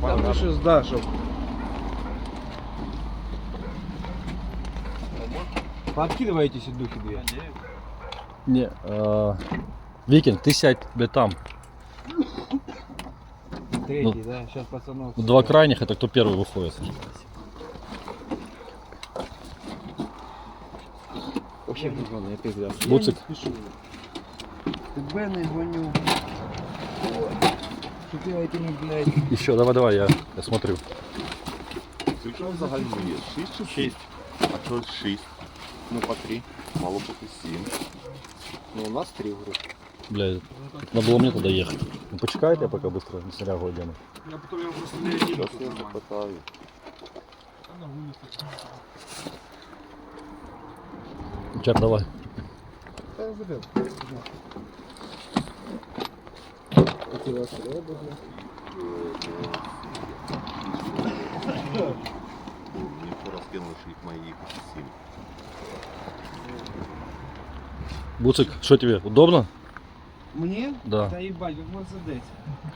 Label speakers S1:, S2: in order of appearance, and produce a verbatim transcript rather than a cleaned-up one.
S1: Там ну щось, да, щоб. Пооткидывайте эти духи две.
S2: Не, а, Викинг, ты сядь, блядь, там.
S1: Третий,
S2: Ну,
S1: да? Сейчас пацанов.
S2: Два крайних, это кто первый выходит.
S1: Вообще пацаны, я пизда.
S2: Буцик.
S1: Ты Бены гоню. Чтоб я этими, блядь.
S2: Еще, давай, давай, я, я смотрю.
S3: Скільки взагалі є? Шість чи шість? А чого шість?
S1: Ну по три.
S3: Мало бути сім.
S1: Ну у нас три в группе.
S2: Блядь, надо было мне туда ехать. Ну, почекайте, я пока быстро на снарягу одену.
S1: Я потом его просто не один.
S3: Зараз я запитаю.
S2: Чак, давай.
S1: Да, я забил. Эти ваши рыбы, блядь.
S3: Мені порозкинули, що їх має їхати сім.
S2: Буцик, что тебе, удобно?
S1: Мне?
S2: Да.
S1: Да ебать, как Мерседес.